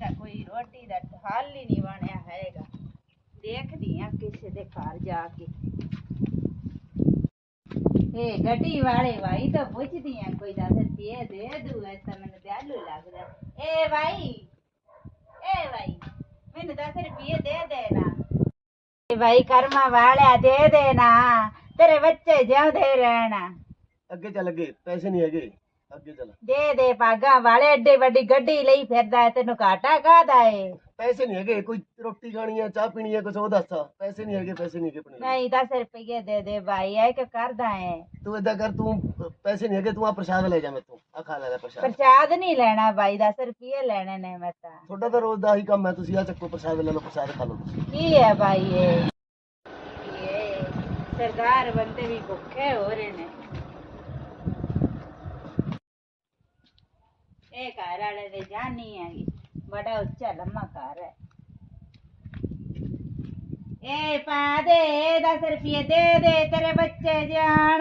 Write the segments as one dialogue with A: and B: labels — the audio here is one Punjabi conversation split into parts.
A: ਤਾਂ ਕੋਈ ਰੋਟੀ ਦਾ ਹੱਲ ਹੀ ਨਹੀਂ ਬਣਿਆ ਹੈਗਾ। ਦੇਖਦੀ ਆ ਕਿਸੇ ਦੇ ਘਰ ਜਾ ਕੇ। ਇਹ ਗੱਡੀ ਵਾਲੇ ਭਾਈ ਤਾਂ ਪੁੱਛਦੀ ਆ ਕੋਈ 10 ਰੁਪਏ ਦੇ ਦੂ ਤਾਂ ਮੈਨੂੰ ਦਿਆਲੂ ਲੱਗਦਾ। ਏ ਭਾਈ ਮੈਨੂੰ 10 ਰੁਪਏ ਦੇ ਦੇਣਾ। ਏ ਭਾਈ ਕਰਮਾ ਵਾਲਿਆ ਦੇ ਦੇਣਾ, ਤੇਰੇ ਬੱਚੇ ਜਿਉਂਦੇ ਰਹਿਣਾ।
B: ਅੱਗੇ ਚੱਲ, ਅੱਗੇ ਪੈਸੇ ਨਹੀਂ ਹੈਗੇ, ਅੱਗੇ ਚੱਲ।
A: ਦੇ ਭਾਗਾ ਵਾਲੇ, ਏਡੀ ਵੱਡੀ ਗੱਡੀ ਲਈ ਫਿਰਦਾ ਹੈ, ਤੈਨੂੰ ਘਾਟਾ ਕਾਹਦਾ ਏ?
B: ਪੈਸੇ ਨਹੀਂ ਹੈਗੇ, ਕੋਈ ਰੋਟੀ ਖਾਣੀ ਹੈ, ਚਾਹ ਪੀਣੀ ਹੈ, ਕੁਛ ਉਹ ਦੱਸ। ਪੈਸੇ ਨਹੀਂ ਹੈਗੇ, ਪੈਸੇ ਨਹੀਂ ਹੈਗੇ ਆਪਣੇ ਕੋਲ।
A: ਨਹੀਂ 10 ਰੁਪਏ ਦੇ ਭਾਈ, ਐ ਕਿ ਕਰਦਾ ਹੈ?
B: ਤੂੰ ਏਦਾਂ ਕਰ, ਤੂੰ ਪੈਸੇ ਨਹੀਂ ਹੈਗੇ, ਤੂੰ ਆ ਪ੍ਰਸ਼ਾਦ ਲੈ ਜਾ ਮੇਤੋਂ, ਆ ਖਾ ਲੈ ਪ੍ਰਸ਼ਾਦ।
A: ਪ੍ਰਸ਼ਾਦ ਨਹੀਂ ਲੈਣਾ ਭਾਈ, 10 ਰੁਪਏ ਲੈਣੇ ਨੇ ਮੈਂ ਤਾਂ।
B: ਤੁਹਾਡਾ ਤਾਂ ਰੋਜ਼ ਦਾ ਹੀ ਕੰਮ ਹੈ, ਤੁਸੀਂ ਆ ਚੱਕੋ ਪ੍ਰਸ਼ਾਦ ਲੈ ਲਓ, ਪ੍ਰਸ਼ਾਦ ਖਾ ਲਓ ਤੁਸੀਂ।
A: ਕੀ ਹੈ ਭਾਈ ਇਹ ਸਰਦਾਰ ਬੰਦੇ ਵੀ ਭੁੱਖੇ ਹੋ ਰਹੇ ਨੇ। ਇਹ ਘਰ ਵਾਲੇ ਦੇ ਜਾਨੀ ਹੈਗੀ, ਬੜਾ ਉੱਚਾ ਲੰਮਾ ਘਰ ਹੈ। ਇਹ ਪਾ ਦੇ 10 ਰੁਪਏ ਦੇ ਤੇਰੇ ਬੱਚੇ ਜਾਣ।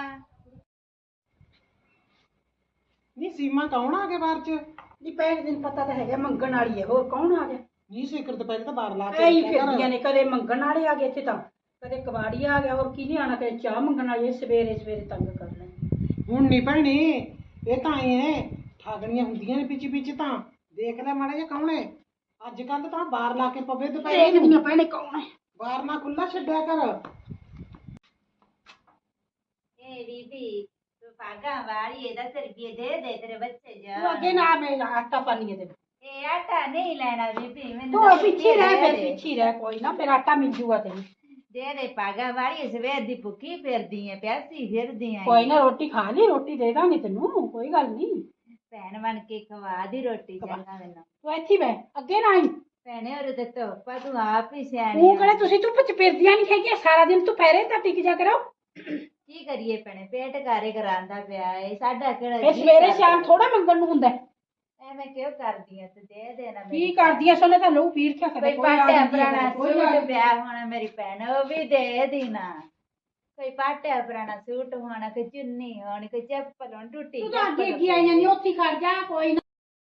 C: ਨੀ ਸੀਮਾ ਕੌਣ ਆ ਗਿਆ ਬਾਹਰ ਚ?
D: ਜੀ ਪਹਿਲੇ ਦਿਨ ਪਤਾ ਤਾਂ ਹੈਗਾ ਮੰਗਣ ਵਾਲੀ ਹੈ, ਹੋਰ ਕੌਣ ਆ ਗਿਆ?
C: ਨੀ ਸਿਕਰ ਤੋਂ ਪਹਿਲੇ ਤਾਂ ਬਾਹਰ ਲਾ
D: ਐਂ ਹੀ
C: ਕੇ
D: ਫਿਰਦੀਆਂ ਨੇ, ਕਦੇ ਮੰਗਣ ਵਾਲੇ ਆ ਗਏ ਇੱਥੇ ਤਾਂ, ਕਦੇ ਕਬਾੜੀ ਆ ਗਿਆ, ਹੋਰ ਕੀ ਨਹੀਂ ਆਣਾ, ਕਦੇ ਚਾਹ ਮੰਗਣ ਵਾਲੇ ਸਵੇਰੇ ਸਵੇਰੇ ਤੰਗ ਕਰ ਲੈ।
C: ਹੁਣ ਨਹੀਂ ਭੈਣੇ, ਇਹ ਤਾਂ ਆਏ ਐ ਠਾਗਣੀਆਂ ਹੁੰਦੀਆਂ ਨੇ ਪਿੱਛੇ ਤਾਂ। ਦੇਖ ਲੈ ਮਾੜਾ ਜਿਹਾ ਕੌਣ ਹੈ ਅੱਜ ਕੱਲ, ਤਾਂ ਬਾਹਰ ਲਾ ਕੇ ਪਵੇ ਦੁਪਹਿਰੇ
D: ਦੇਖਦੀਆਂ ਭੈਣੇ ਕੌਣ ਹੈ।
C: ਬਾਹਰ ਨਾ ਖੁੱਲਾ ਛੱਡਿਆ ਕਰ।
A: ਇਹ ਬੀਬੀ ਤੂੰ ਭਾਗਾ ਵਾਲੀ ਹੈ, 10 ਰੁਪਏ ਦੇ ਤੇਰੇ ਬੱਚੇ
D: ਤੂੰ
A: ਜਾਣ।
D: ਅੱਗੇ ਨਾ ਮੈਂ ਆਟਾ ਪਾਣੀ ਹੈ ਤੇ
A: ਇਹ ਆਟਾ ਨਹੀਂ ਲੈਣਾ ਬੀਬੀ, ਮੈਨੂੰ
D: ਤੂੰ
A: 10
D: ਪਿੱਛੇ
A: ਰੁਪਏ
D: ਰਹਿ,
A: ਦੇ
D: ਫਿਰ
A: ਦੇ।
D: ਪਿੱਛੇ ਰਹਿ, ਕੋਈ ਨਾ ਫਿਰ ਆਟਾ ਮਿਲ ਜੂਗਾ ਤੈਨੂੰ।
A: ਦੇ ਭਾਗਾ ਵਾਲੀ, ਸਵੇਰ ਦੀ ਭੁੱਖੀ ਫਿਰਦੀ ਐ, ਪਿਆਸੀ ਫਿਰਦੀ ਐ।
D: ਕੋਈ ਨਾ ਰੋਟੀ ਖਾ ਲਈ, ਰੋਟੀ ਦੇ ਦਾਂਗੇ ਤੈਨੂੰ, ਕੋਈ ਗੱਲ ਨਹੀਂ।
A: ਭੈਣ ਬਣ ਕੇ ਖਵਾ ਦੀ ਰੋਟੀ ਚੰਗਾ ਮੈਨੂੰ।
D: ਤੂੰ ਇੱਥੇ ਬਹਿ, ਅੱਗੇ ਨਾ ਆਈ।
A: ਭੈਣੇ ਔਰ ਤੇ ਧੁੱਪਾ ਤੂੰ ਆਪ ਹੀ ਸਿਆਣੀ
D: ਤੂੰ
A: ਆ।
D: ਕਿਹੜਾ ਤੁਸੀਂ ਧੁੱਪ ਚ ਫਿਰਦੀਆਂ ਨਹੀਂ ਹੈਗੀਆਂ ਸਾਰਾ ਦਿਨ, ਤੂੰ ਪੈਰੇ ਤਾਂ ਟਿਕ ਜਾ ਕਰੋ।
A: ਕੀ ਕਰੀਏ ਭੈਣੇ, ਪੇਟ ਘਾਰੇ ਕਰਾਂਦਾ ਪਿਆ ਏ ਸਾਡਾ, ਕਿਹੜਾ
D: ਫਿਰ
A: ਜੀਅ
D: ਸਵੇਰੇ
A: ਕਰਦਾ।
D: ਸ਼ਾਮ ਥੋੜਾ ਮੰਗਣ ਨੂੰ ਹੁੰਦਾ ਹੈ।
A: ਐਵੇਂ ਕਿਉਂ ਕਰਦੀ ਐ, ਤੂੰ ਦੇ ਦੇਣਾ।
D: ਕੀ ਕਰਦੀਆਂ ਸੋਨੇ ਤਾਂ ਲਹੂ ਪੀਰ ਕਿਆ ਕਰੇ,
A: ਕੋਈ
D: ਕੋਈ ਆ
A: ਪਾਟਿਆ
D: ਜਾਂਦੀ ਹੈ,
A: ਪੁਰਾਣਾ
D: ਕੋਈ ਆ
A: ਸੂਟ ਪਿਆ ਹੋਣਾ ਮੇਰੀ ਭੈਣ, ਉਹ ਵੀ ਦੇ ਦੇਣਾ। ਕੋਈ ਪਾਟਿਆ ਪੁਰਾਣਾ ਸੂਟ ਹੋਣਾ, ਕੋਈ ਚੁੰਨੀ ਹੋਣੀ, ਕੋਈ ਚੱਪਲ ਹੋਣੀ ਟੁੱਟੀ।
D: ਤੂੰ ਤਾਂ ਅੱਗੇ ਅੱਗੇ ਆਈ ਜਾਂਦੀ, ਉੱਥੇ ਖੜ ਜਾ ਕੋਈ ਨਾ।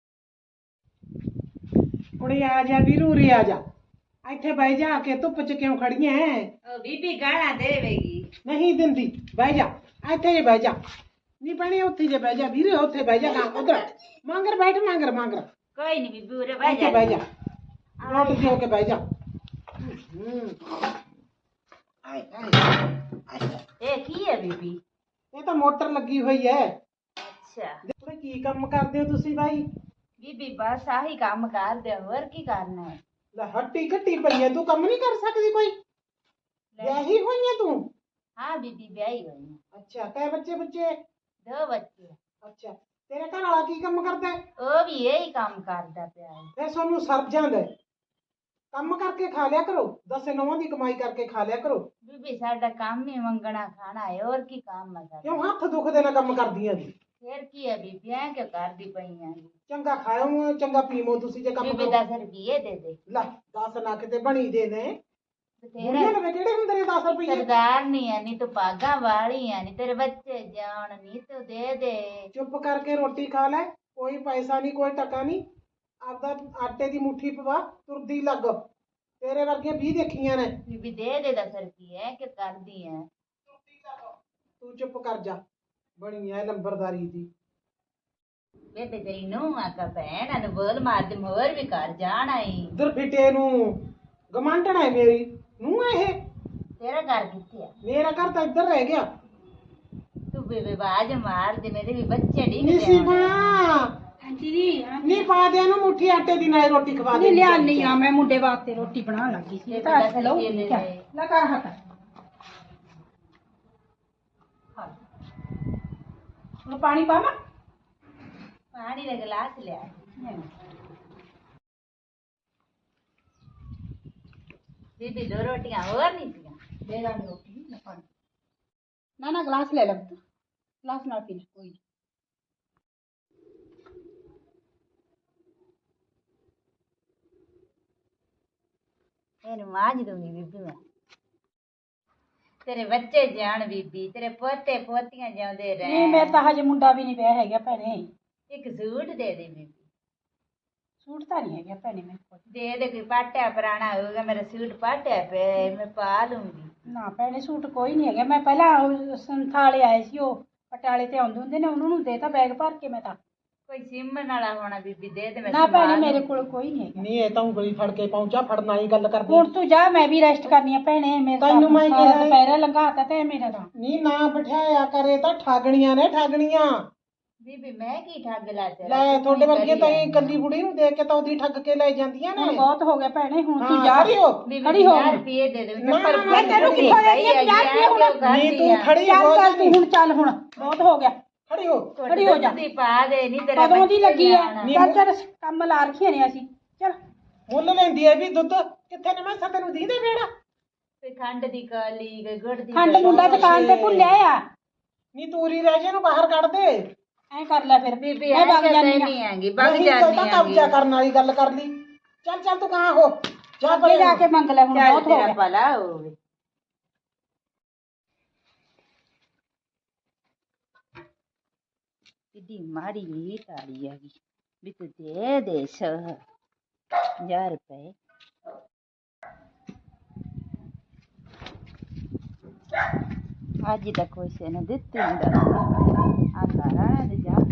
C: ਕੁੜੀ ਆ ਜਾ ਵੀਰੂ, ਉਰੇ ਆ ਜਾ, ਇੱਥੇ ਬਹਿ ਜਾ ਕੇ, ਧੁੱਪ ਚ ਕਿਉਂ ਖੜੀਆਂ ਐ?
A: ਉਹ ਬੀਬੀ ਗਾਲਾਂ ਦੇਵੇਗੀ।
C: ਨਹੀਂ ਦਿੰਦੀ, ਬਹਿ ਜਾ ਇੱਥੇ ਜੇ ਬਹਿ ਜਾ। ਨਹੀਂ ਭੈਣੇ ਉੱਥੇ ਜੇ ਬਹਿ ਜਾ ਵੀਰੇ, ਉੱਥੇ ਬਹਿ ਜਾ, ਨਾ ਉਧਰ ਮੰਗਰ ਬੈਠ, ਮੰਗਰ
A: ਕੋਈ ਨਹੀਂ ਬੀਬੀ, ਉਰੇ ਬਹਿ
C: ਇੱਥੇ
A: ਜਾ।
C: ਬਹਿ ਜਾ, ਰੋਟ ਦੇ ਕੇ ਬਹਿ ਜਾ।
A: ਇਹ ਕੀ ਹੈ ਬੀਬੀ?
C: ਇਹ ਤਾਂ ਮੋਟਰ ਲੱਗੀ ਹੋਈ ਹੈ।
A: ਅੱਛਾ
C: ਦੇਖੋ ਕੀ ਕੰਮ ਕਰਦੇ ਹੋ ਤੁਸੀਂ ਬਾਈ?
A: ਬੀਬੀ ਬਸ ਆਹੀ ਕੰਮ ਕਰਦੇ, ਹੋਰ ਕੀ ਕਰਨਾ ਹੈ?
C: ਲੈ ਹੱਟੀ ਘੱਟੀ ਪਈ ਹੈ, ਤੂੰ ਕੰਮ ਨਹੀਂ ਕਰ ਸਕਦੀ ਕੋਈ? ਵਿਆਹੀ ਹੋਈ ਹੈ ਤੂੰ?
A: ਹਾਂ ਬੀਬੀ ਵਿਆਹੀ ਹੋਈ ਹੈ।
C: ਅੱਛਾ, ਕੈ ਬੱਚੇ?
A: 2 ਬੱਚੇ।
C: ਅੱਛਾ, ਤੇਰੇ ਘਰ ਵਾਲਾ ਕੀ ਕੰਮ ਕਰਦਾ ਹੈ?
A: ਉਹ ਵੀ ਇਹੀ ਕੰਮ ਕਰਦਾ ਪਿਆ ਹੈ।
C: ਫਿਰ ਤੁਹਾਨੂੰ ਸਰ ਜਾਂਦਾ ਹੈ। ਕੰਮ ਕਰਕੇ ਖਾ ਲਿਆ ਕਰੋ, 10 ਨੌਂ ਦੀ ਕਮਾਈ ਕਰਕੇ ਖਾ ਲਿਆ ਕਰੋ।
A: ਬੀਬੀ ਸਾਡਾ ਕੰਮ ਹੀ ਮੰਗਣਾ ਖਾਣਾ ਹੈ, ਹੋਰ ਕੀ ਕੰਮ ਹੈ ਸਾਡਾ?
C: ਕਿਉਂ ਹੱਥ ਦੁਖਦੇ ਨਾਲ ਕੰਮ ਕਰਦੀਆਂ ਜੀ?
A: ਫਿਰ ਕੀ ਹੈ ਬੀਬੀ, ਐ ਕਿਉਂ ਕਰਦੀ ਪਈਆਂ?
C: ਚੰਗਾ ਖਾਓ, ਚੰਗਾ ਪੀਵੋ, ਤੁਸੀਂ ਜੇ ਕੰਮ
A: ਬੀਬੀ
C: ਕਰੋ।
A: 10 ਰੁਪਏ ਦੇ ਦੇ।
C: ਲੈ 10 ਨਾ ਕਿਤੇ ਬਣੀ ਦੇ ਨੇ।
A: ਤੇਰਾ
C: ਬੁੜੀਆਂ ਲਵੇ ਕਿਹੜੇ ਹੁੰਦੇ ਨੇ 10 ਰੁਪਏ?
A: ਸਰਦਾਰ ਨਹੀਂ ਹੈ, ਨਹੀਂ ਤੂੰ ਭਾਗਾ ਵਾਲੀ ਹੈ, ਨਹੀਂ ਤੇਰੇ ਬੱਚੇ ਜਾਣ, ਨਹੀਂ ਤੂੰ ਦੇ ਦੇ।
C: ਚੁੱਪ ਕਰਕੇ ਰੋਟੀ ਖਾ ਲੈ, ਕੋਈ ਪੈਸਾ ਨਹੀਂ, ਕੋਈ ਟਕਾ ਨਹੀਂ। ਆਪਦਾ ਆਟੇ ਦੀ ਮੁੱਠੀ ਪਵਾ, ਤੁਰਦੀ ਲੱਗ। ਤੇਰੇ ਵਰਗੀਆਂ 20 ਦੇਖੀਆਂ ਨੇ।
A: ਬੀਬੀ ਦੇ ਦੇ 10 ਰੁਪਏ, ਐ ਕਿਉਂ ਕਰਦੀ ਹੈ?
C: ਤੂੰ ਚੁੱਪ ਕਰ ਜਾ, ਬਣੀ ਐ ਲੰਬਰਦਾਰੀ ਦੀ।
A: ਬੇਬੇ ਤੇਰੀ ਨੂੰ ਆਕਾ ਭੈਣ ਨੂੰ ਬੋਲ ਮਾਰ ਦੇ, ਹੋਰ ਵੀ ਘਰ ਜਾਣਾ ਈ।
C: ਉਧਰ ਫਿੱਟੇ ਨੂੰ ਗਮਾਂਡਣਾ ਹੈ ਮੇਰੀ ਨੂੰ ਇਹ।
A: ਤੇਰਾ ਘਰ ਕਿੱਥੇ ਆ?
C: ਮੇਰਾ ਘਰ ਤਾਂ ਇੱਧਰ ਰਹਿ ਗਿਆ।
A: ਤੂੰ ਬੇਬੇ ਬਾਜ ਮਾਰ ਦੇ, ਮੇਰੇ ਵੀ ਬੱਚੇ
C: ਨੀ
A: ਡਿੱਗਦੇ
C: ਸੀਮਾ,
D: ਆਂਟੀ ਜੀ
C: ਨੀ ਪਾ ਦੇ ਇਹਨੂੰ ਮੁੱਠੀ ਆਟੇ ਦੀ, ਨਾਲ ਰੋਟੀ ਖਵਾ ਦੇ।
D: ਨਹੀਂ ਲਿਆ ਨਹੀਂ ਆ, ਮੈਂ ਮੁੰਡੇ ਵਾਸਤੇ ਰੋਟੀ ਬਣਾਉਣ ਲੱਗੀ ਸੀ। ਤਾਂ
A: ਦਸ
D: ਲਓ
A: ਰੁਪਏ ਦੇ ਦੇ।
D: ਲਗਾ ਹੱਥ। ਉਹ ਪਾਣੀ ਪਾਵਾਂ?
A: ਪਾਣੀ ਦਾ ਗਲਾਸ ਲਿਆ। ਬੀਬੀ 2 ਰੋਟੀਆਂ ਹੋਰ ਨਹੀਂ ਸੀਆਂ?
D: ਦੇ ਦਾਂਗੇ ਰੋਟੀ ਨਾ ਪਾਣੀ। ਨਾ ਗਲਾਸ ਲੈ ਲੈ ਪੁੱਤ, ਗਲਾਸ ਨਾਲ ਪੀ ਲੈ ਕੋਈ ਨੀ।
A: ਇਹਨੂੰ ਮਾਂਜ ਦੂੰਗੀ ਬੀਬੀ ਮੈਂ। ਤੇਰੇ ਬੱਚੇ ਜਾਣ ਬੀਬੀ, ਤੇਰੇ ਪੋਤੇ ਪੋਤੀਆਂ ਜਾਉਂਦੇ
D: ਨਹੀਂ
A: ਰਹਿ।
D: ਮੈਂ ਤਾਂ ਹਜੇ ਮੁੰਡਾ ਵੀ ਨਹੀਂ ਵਿਆਹ ਹੈਗਾ ਭੈਣੇ।
A: ਇੱਕ ਸੂਟ ਦੇ ਦੇ ਬੀਬੀ।
D: ਸੂਟ ਤਾਂ ਨਹੀਂ ਹੈਗਾ ਭੈਣੇ ਮੇਰੇ ਕੋਲ।
A: ਦੇ ਦੇ ਕੋਈ ਪਾਟਿਆ ਪੁਰਾਣਾ ਹੋਊਗਾ, ਮੇਰਾ ਸੂਟ ਪਾਟਿਆ ਪਿਆ ਹੈ, ਮੈਂ ਪਾ ਲੂੰਗੀ।
D: ਨਾ ਭੈਣੇ ਸੂਟ ਕੋਈ ਨਹੀਂ ਹੈਗਾ। ਮੈਂ ਪਹਿਲਾਂ ਉਹ ਸੰਥਾਲੇ ਆਏ ਸੀ, ਉਹ ਪਟਿਆਲੇ ਤੇ ਆਉਂਦੇ ਹੁੰਦੇ ਨੇ, ਉਹਨਾਂ ਨੂੰ ਦੇਤਾ ਬੈਗ ਭਰ ਕੇ। ਮੈਂ ਤਾਂ
A: ਕੋਈ ਸਿਮਣ ਵਾਲਾ ਹੋਣਾ ਬੀਬੀ, ਦੇ ਦੇ ਮੈਂ
D: ਨਾ ਭੈਣੇ
A: ਸੰਭਾਲ
D: ਮੇਰੇ
A: ਲੂੰਗੀ।
D: ਕੋਲ ਕੋਈ ਨਹੀਂ ਹੈਗਾ।
C: ਨਹੀਂ ਇਹ ਤਾਂ ਉਂਗਲੀ ਫੜ ਕੇ ਪਹੁੰਚਾ, ਫੜਨ ਵਾਲੀ ਗੱਲ ਕਰਦੀ।
D: ਹੁਣ ਤੂੰ ਜਾ, ਮੈਂ ਵੀ ਰੈਸਟ ਕਰਨੀ ਆ ਭੈਣੇ। ਮੇਰਾ
C: ਤੈਨੂੰ ਮੈਂ
D: ਸਾਰਾ
C: ਕਿਹਾ-
D: ਦੁਪਹਿਰਾ ਲੰਘਾਤਾ ਤੇ ਮੇਰਾ ਤਾਂ।
C: ਨਹੀਂ ਨਾ ਬਿਠਾਇਆ ਕਰੇ ਤਾਂ ਠਾਗਣੀਆਂ ਨੇ, ਠਾਗਣੀਆਂ।
A: ਬੀਬੀ ਮੈਂ ਕੀ ਠੱਗ ਲਾ ਤੇਰਾ,
C: ਲੈ
A: ਤੂੰ
C: ਤੁਹਾਡੇ
A: ਹੀ
C: ਵਰਗੇ
A: ਕਰੀ
C: ਤਾਂ
A: ਜਾਂਦੀ
C: ਇਹ ਇਕੱਲੀ ਬੁੜੀ ਨੂੰ ਦੇਖ ਕੇ ਤਾਂ ਉਹਦੀ ਠੱਗ ਕੇ ਲੈ ਜਾਂਦੀਆਂ ਨੇ।
D: ਹੁਣ ਬਹੁਤ ਹੋ ਗਿਆ ਭੈਣੇ, ਹੁਣ ਤੂੰ
C: ਹਾਂ,
D: ਜਾ।
C: ਖੜੀ ਹੋ।
A: ਬੀਬੀ
D: ਖੜੀ ਹੋ।
A: 50 ਰੁਪਏ ਦੇ ਦੇ
C: ਨਾ,
A: ਚੱਪਲ
C: ਨਾ,
A: ਪਾਈ
C: ਤੈਨੂੰ
A: ਹੋਈ
D: ਕਿੱਥੋਂ
A: ਹੈ,
D: ਦੇਣੀ ਆ? 50
A: ਐਂ
D: ਰੁਪਏ
A: ਕਿਉਂ
C: ਨਹੀਂ
A: ਕਰਦੀ
C: ਤੂੰ
A: ਆ?
C: ਖੜੀ
D: ਚੱਲ
C: ਹੋ
D: ਚੱਲ
C: ਜਾਨੀ।
D: ਤੂੰ ਹੁਣ ਚੱਲ, ਹੁਣ ਬਹੁਤ ਹੋ ਗਿਆ।
C: ਖੜੀ ਹੋ।
D: ਖੜੀ ਹੋ ਜਾ।
A: ਦੁੱਧ ਦੀ ਪਾ ਦੇ, ਨਹੀਂ ਤੇਰਾ
D: ਕਦੋਂ ਦੀ
A: ਬੱਚਾ
D: ਲੱਗੀ ਆ?
A: ਆਉਣਾ।
C: ਨਹੀਂ,
D: ਚੱਲ ਚੱਲ ਕੰਮ ਲਾ ਰੱਖੀਆਂ ਨੇ ਅਸੀਂ। ਚੱਲ
C: ਮੁੱਲ ਲੈਂਦੀ ਐ ਵੀ ਦੁੱਧ ਕਿੱਥੇ ਨੇ? ਮੈਂ ਤੈਨੂੰ ਦੀਦੇ ਵੇੜਾ।
A: ਕੋਈ ਖੰਡ ਦੀ ਕਾਲੀ, ਕੋਈ ਗੁੜ ਦੀ
D: ਖੰਡ
A: ਕਾਲੀ।
D: ਮੁੰਡਾ ਦੁਕਾਨ ਤੇ ਭੁੱਲਿਆ ਆ।
C: ਨਹੀਂ ਤੂਰੀ ਰਹਿ ਜੇ ਨੂੰ ਬਾਹਰ ਕੱਢ ਦੇ।
D: ਐਂ ਕਰ ਲੈ ਫਿਰ।
A: ਬੀਬੀ
D: ਮੈਂ ਵਗ
A: ਐਂ
D: ਜਾਨੀ
A: ਜਾਂਦੀ
D: ਆ।
A: ਨਹੀਂ ਆਂਗੀ, ਵਗ
C: ਨਹੀਂ
A: ਜਾਂਦੀ
C: ਤਾਂ ਕਬਜ਼ਾ ਕਰਨ ਵਾਲੀ ਗੱਲ ਕਰ ਲਈ। ਚੱਲ ਚੱਲ ਤੂੰ ਕਹਾਂ ਹੋ ਜਾ
D: ਅੱਗੇ ਜਾ ਕੇ ਮੰਗ ਲੈ, ਹੁਣ
A: ਚੱਲ
D: ਬਹੁਤ ਹੋ
A: ਤੇਰਾ
D: ਗਿਆ।
A: ਭਲਾ ਹੋਵੇ। ਕਿੱਡੀ ਮਾੜੀ ਤਾੜੀ ਆ ਗਈ ਵੀ ਤੂੰ ਦੇ ਦੇ 1000 ਰੁਪਏ। ਅੱਜ ਤੱਕ ਕਿਸੇ ਨੇ ਦਿੱਤੇ ਨਹੀਂ ਆ ਸਾਰਾ ਦੇ ਜਾ।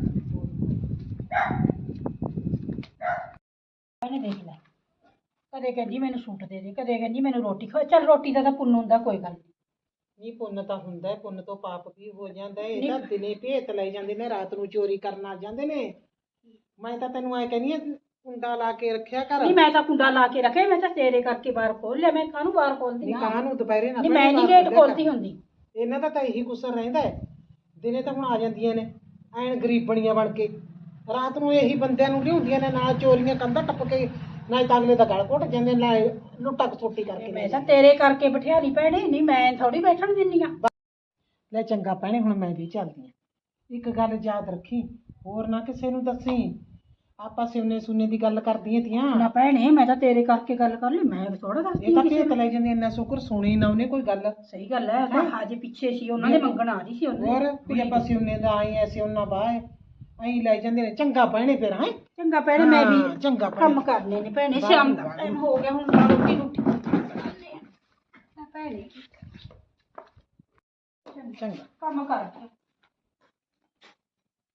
D: ਇਹਨੇ ਦੇਖ ਲੈ, ਕਦੇ ਕਹਿੰਦੀ ਮੈਨੂੰ ਸੂਟ ਦੇ ਦੇ, ਕਦੇ ਕਹਿੰਦੀ ਮੈਨੂੰ ਰੋਟੀ ਖਵਾ। ਚੱਲ ਰੋਟੀ ਦਾ ਤਾਂ ਪੁੰਨ ਹੁੰਦਾ, ਕੋਈ ਗੱਲ ਨਹੀਂ।
C: ਨਹੀਂ ਪੁੰਨ ਤਾਂ ਹੁੰਦਾ ਹੈ, ਪੁੰਨ ਤੋਂ ਪਾਪ ਵੀ ਹੋ ਜਾਂਦਾ ਹੈ। ਇਹ ਤਾਂ ਦਿਨੇ ਭੇਤ ਲੈ ਜਾਂਦੇ ਨੇ, ਰਾਤ ਨੂੰ ਚੋਰੀ ਕਰਨ ਆ ਜਾਂਦੇ ਨੇ। ਮੈਂ ਤਾਂ ਤੈਨੂੰ ਐ ਕਹਿੰਦੀ ਆ ਕੁੰਡਾ ਲਾ ਕੇ ਰੱਖਿਆ ਕਰ।
D: ਨਹੀਂ ਮੈਂ ਤਾਂ ਕੁੰਡਾ ਲਾ ਕੇ ਰੱਖਿਆ, ਮੈਂ ਤਾਂ ਤੇਰੇ ਕਰਕੇ ਬਾਹਰ ਖੋਲ ਲਿਆ। ਮੈਂ ਕਾਹਨੂੰ ਬਾਹਰ ਖੋਲਦੀ?
C: ਨਹੀਂ ਕਾਂ ਨੂੰ ਦੁਪਹਿਰੇ ਨਾ
D: ਨਹੀਂ ਮੈਂ ਨਹੀਂ ਗੇਟ ਖੋਲਦੀ ਹੁੰਦੀ।
C: ਇਹਨਾਂ ਦਾ ਤਾਂ ਇਹੀ ਕੁਸਰ ਰਹਿੰਦਾ ਹੈ। ਦਿਨੇ ਤਾਂ ਹੁਣ ਆ ਜਾਂਦੀਆਂ ਨੇ ਐਨ ਗਰੀਬਣੀਆਂ ਬਣ ਕੇ, ਰਾਤ ਨੂੰ ਇਹੀ ਬੰਦਿਆਂ ਨੂੰ ਲਿਆਉਂਦੀਆਂ ਨੇ, ਨਾਲ ਚੋਰੀਆਂ ਕੰਧਾਂ ਟੱਪ ਕੇ, ਨਾ ਤਾਂ ਅਗਲੇ ਦਾ ਗਲ ਘੁੱਟ ਜਾਂਦੇ, ਨਾ ਲੁੱਟਾ ਖਸੋਟੀ ਕਰਕੇ।
D: ਮੈਂ ਤਾਂ ਤੇਰੇ ਕਰਕੇ ਬਿਠਿਆ ਲਈ ਭੈਣੇ, ਨਹੀਂ ਮੈਂ ਥੋੜੀ ਬੈਠਣ ਦਿੰਦੀ ਆ।
C: ਲੈ ਚੰਗਾ ਭੈਣੇ, ਹੁਣ ਮੈਂ ਵੀ ਚੱਲਦੀ ਆ। ਇੱਕ ਗੱਲ ਯਾਦ ਰੱਖੀ, ਹੋਰ ਨਾ ਕਿਸੇ ਨੂੰ ਦੱਸੀ। ਆਪਾਂ ਸਿਉਨੇ ਸੁਨੇ ਦੀ ਗੱਲ ਕਰਦੀਆਂ ਤੀਆਂ।
D: ਨਾ ਭੈਣੇ ਮੈਂ ਤਾਂ ਤੇਰੇ ਕਰਕੇ ਗੱਲ ਕਰ ਲਈ, ਮੈਂ ਥੋੜਾ ਦੱਸਦੀ
C: ਇਹ ਤਾਂ
D: ਕਿਸੇ
C: ਭੇਤ
D: ਨੂੰ।
C: ਲੈ ਜਾਂਦੀ, ਇੰਨਾ ਸ਼ੁਕਰ ਸੁਣੀ ਨਾ ਉਹਨੇ ਕੋਈ ਗੱਲ।
D: ਸਹੀ ਗੱਲ ਹੈ, ਤਾਂ ਹਾਜੇ ਪਿੱਛੇ ਸੀ, ਉਹਨਾਂ ਦੇ ਮੰਗਣ ਆ ਰਹੀ ਸੀ ਉਹਨੇ।
C: ਹੋਰ ਵੀ ਆਪਾਂ ਸਿਉਨੇ ਦਾ ਆਏ ਐਸੇ ਉਹਨਾਂ ਬਾਏ ਐਂ ਲੈ ਜਾਂਦੇ ਨੇ। ਚੰਗਾ ਭੈਣੇ ਫਿਰ ਹੈ।
D: ਚੰਗਾ ਭੈਣੇ, ਮੈਂ
C: ਹਾਂ,
D: ਵੀ
C: ਚੰਗਾ ਭੈਣੇ।
D: ਕੰਮ ਕਰਨੇ ਨੇ ਭੈਣੇ, ਸ਼ਾਮ ਦਾ ਟਾਈਮ ਹੋ ਗਿਆ, ਹੁਣ ਤਾਂ ਰੋਟੀ ਰੋਟੀ ਬਣਾਉਂਦੇ ਆ ਭੈਣੇ।
C: ਚੰਗਾ।
D: ਕੰਮ ਕਰ